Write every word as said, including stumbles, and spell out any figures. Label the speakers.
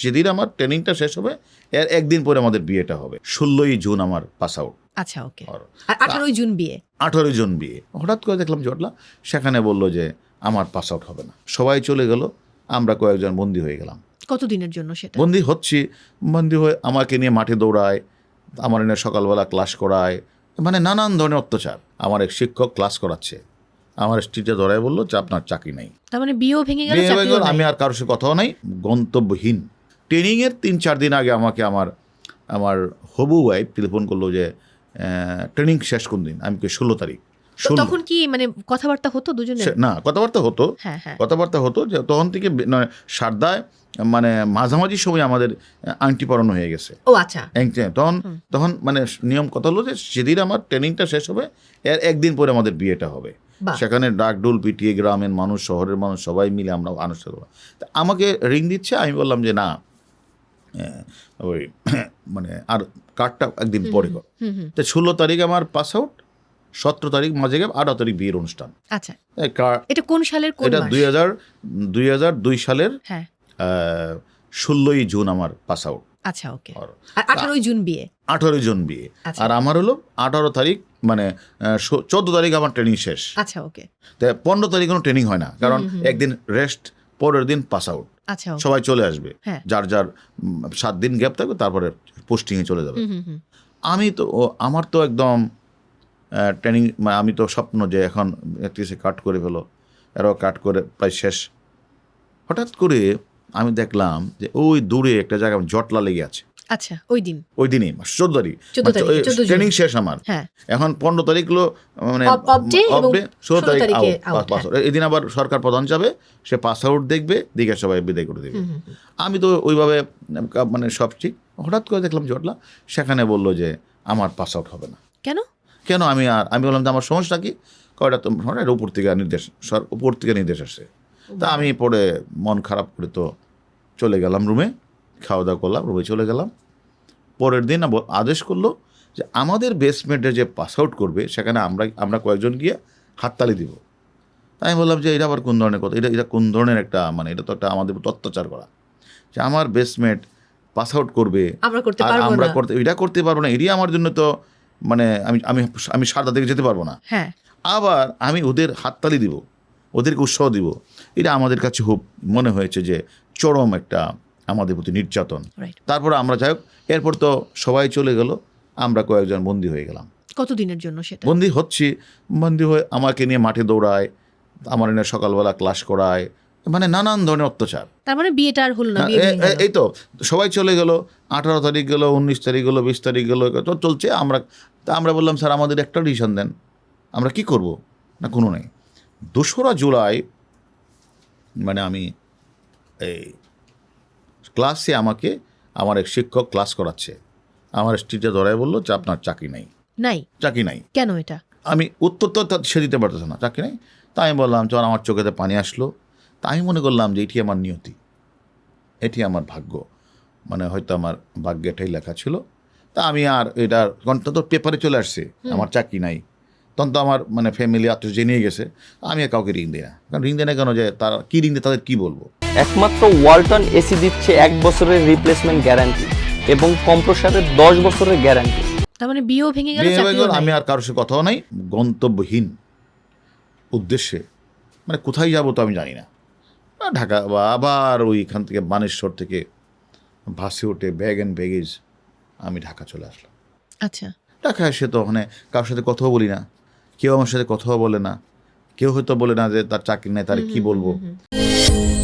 Speaker 1: যেদিন আমার ট্রেনিংটা শেষ হবে এর একদিন পরে আমাদের বিয়েটা হবে। ষোলোই জুন আমার পাস আউট।
Speaker 2: আচ্ছা, ওকে। আর আঠারোই জুন বিয়ে।
Speaker 1: আঠারোই জুন বিয়ে। হঠাৎ করে দেখলাম জটলা, সেখানে বললো যে আমার পাস আউট হবে না। সবাই চলে গেল, আমরা কয়েকজন বন্দি হয়ে গেলাম।
Speaker 2: কতদিনের জন্য সেটা?
Speaker 1: বন্দি হচ্ছি, বন্দি হয়ে আমাকে নিয়ে মাঠে দৌড়ায়, আমার এনে সকালবেলা ক্লাস করায়, মানে নানান ধরনের অত্যাচার। আমার এক শিক্ষক ক্লাস করাচ্ছে, আমার স্ট্রিটে ধরায় বললো যে আপনার চাকরি নাই।
Speaker 2: তার মানে বিয়েও ভেঙে গেল,
Speaker 1: আমি আর কারোর সাথে কথাও নাই, গন্তব্যহীন। ট্রেনিংয়ের তিন চার দিন আগে আমাকে আমার আমার হবু ওয়াইফ টেলিফোন করলো যে ট্রেনিং শেষ কোন দিন। আমি ষোলো তারিখ।
Speaker 2: তখন কি মানে কথাবার্তা হতো দুজনে?
Speaker 1: না, কথাবার্তা হতো, কথাবার্তা হতো যে তখন থেকে সারদায় মানে মাঝামাঝি সময় আমাদের আংটি পরানো হয়ে গেছে।
Speaker 2: ও আচ্ছা।
Speaker 1: তখন তখন মানে নিয়ম কথা হলো যে যেদিন আমার ট্রেনিংটা শেষ হবে এর একদিন পরে আমাদের বিয়েটা হবে। সেখানে ডাকডোল পিটিয়ে গ্রামের মানুষ, শহরের মানুষ সবাই মিলে আমরা আনুষ্ঠানিক। আমাকে রিং দিচ্ছে, আমি বললাম যে না, ওই মানে আর কার্ডটা একদিন পরে কর। তো ষোলো তারিখ আমার পাস আউট, সতেরো তারিখ মাঝে গেম, আঠারো তারিখ বিয়ের অনুষ্ঠান।
Speaker 2: আচ্ছা, এটা কোন সালের?
Speaker 1: এটা দুই হাজার দুই হাজার দুই সালের ষোলোই জুন আমার পাস আউট।
Speaker 2: আচ্ছা, ওকে। আর আঠারোই জুন বিয়ে।
Speaker 1: আঠারোই জুন বিয়ে। আর আমার হলো আঠারো তারিখ মানে চোদ্দ তারিখ আমার ট্রেনিং শেষ।
Speaker 2: আচ্ছা, ওকে।
Speaker 1: তো পনেরো তারিখ কোনো ট্রেনিং হয় না, কারণ একদিন রেস্ট, পরের দিন পাস আউট।
Speaker 2: আচ্ছা,
Speaker 1: সবাই চলে আসবে, যার যার সাত দিন গ্যাপ থাকবে, তারপরে পোস্টিংয়ে চলে যাবে। আমি তো আমার তো একদম ট্রেনিং, আমি তো স্বপ্ন যে এখন একত্রিশে কাট করে ফেলো, এরাও কাট করে প্রায় শেষ। হঠাৎ করে আমি দেখলাম যে ওই দূরে একটা জায়গায় জটলা লেগে আছে।
Speaker 2: আচ্ছা, ওই দিন
Speaker 1: ওই দিনই চোদ্দ তারিখ ট্রেনিং শেষ আমার। এখন পনেরো তারিখ হলো মানে ষোলো তারিখ এদিন আবার সরকার প্রধান যাবে, সে পাস আউট দেখবে, দিকে সবাই বিদায় করে দেবে। আমি তো ওইভাবে মানে সব ঠিক। হঠাৎ করে দেখলাম জটলা, সেখানে বললো যে আমার পাস আউট হবে না।
Speaker 2: কেন
Speaker 1: কেন আমি আর আমি বললাম যে আমার সমস্যা কি? কয়টা তো উপর থেকে নির্দেশ, উপর থেকে নির্দেশ আসছে। তা আমি পরে মন খারাপ করে তো চলে গেলাম রুমে, খাওয়া দাওয়া করলাম, রুমে চলে গেলাম। পরের দিন আদেশ করলো যে আমাদের বেসমেন্টে যে পাস আউট করবে সেখানে আমরা আমরা কয়েকজন গিয়ে হাততালি দিব। তাই আমি বললাম যে এটা আবার কোন ধরনের কথা, এটা এটা কোন ধরনের একটা মানে এটা তো একটা আমাদের অত্যাচার করা, যে আমার বেসমেন্ট পাস আউট করবে আর আমরা করতে এটা করতে পারবো না। এটি আমার জন্য তো মানে আমি আমি আমি সারদা থেকে যেতে পারবো না। আবার আমি ওদের হাততালি দিব, ওদেরকে উৎসাহ দিব, এটা আমাদের কাছে খুব মনে হয়েছে যে চরম একটা আমাদের প্রতি নির্যাতন। তারপরে আমরা যাই হোক, এরপর তো সবাই চলে গেল, আমরা কয়েকজন বন্দি হয়ে গেলাম।
Speaker 2: কতদিনের জন্য সেটা?
Speaker 1: বন্দি হচ্ছি, বন্দি হয়ে আমাকে নিয়ে মাঠে দৌড়ায়, আমার এনে সকালবেলা ক্লাস করায়, মানে নানান ধরনের অত্যাচার।
Speaker 2: তার মানে বিয়েটা আর হলো না।
Speaker 1: এই তো সবাই চলে গেল, আঠারো তারিখ গেল, উনিশ তারিখ গেলো, বিশ তারিখ গেলো, তো চলছে। আমরা তা আমরা বললাম স্যার আমাদের একটা ডিসিশন দেন, আমরা কি করব? না কোনো নেই। দোসরা জুলাই মানে আমি এই ক্লাসে আমাকে আমার এক শিক্ষক ক্লাস করাচ্ছে, আমার স্ট্রিটে ধরায় বললো যে আপনার চাকরি নাই।
Speaker 2: নাই?
Speaker 1: চাকরি নাই।
Speaker 2: কেন? এটা
Speaker 1: আমি উত্তর তো সে দিতে পারতেছে না, চাকরি নাই। তাই আমি বললাম, যখন আমার চোখেতে পানি আসলো, তা আমি মনে করলাম যে এটি আমার নিয়তি, এটি আমার ভাগ্য, মানে হয়তো আমার ভাগ্যে এটাই লেখা ছিল। তা আমি আর এটার ঘন্টা তো পেপারে চলে আসছে আমার চাকরি নাই, তখন তো আমার মানে ফ্যামিলি আত্মীয় জেনে গেছে, আমি আর কাউকে রিং দিই না। কারণ রিং দেয় না কেন, যে তারা কী রিং দেয়, তাদের কী বলবো।
Speaker 3: একমাত্র ওয়ালটন এসি দিচ্ছে এক বছরের রিপ্লেসমেন্ট গ্যারান্টি এবং কম্প্রেসারের দশ বছরের গ্যারান্টি।
Speaker 2: তার মানে বিয়েও ভেঙে গেল,
Speaker 1: আমি আর কারোর সাথে কথাও নাই, গন্তব্যহীন উদ্দেশ্যে, মানে কোথায় যাবো তো আমি জানি না। ঢাকা বা আবার ওইখান থেকে বানেশ্বর থেকে বাসে উঠে ব্যাগ অ্যান্ড ব্যাগেজ আমি ঢাকা চলে আসলাম।
Speaker 2: আচ্ছা,
Speaker 1: ঢাকা এসে তো ওখানে কারোর সাথে কথাও বলি না, কেউ আমার সাথে কথাও বলে না, কেউ হয়তো বলে না যে তার চাকরি নেই, তার কি বলবো।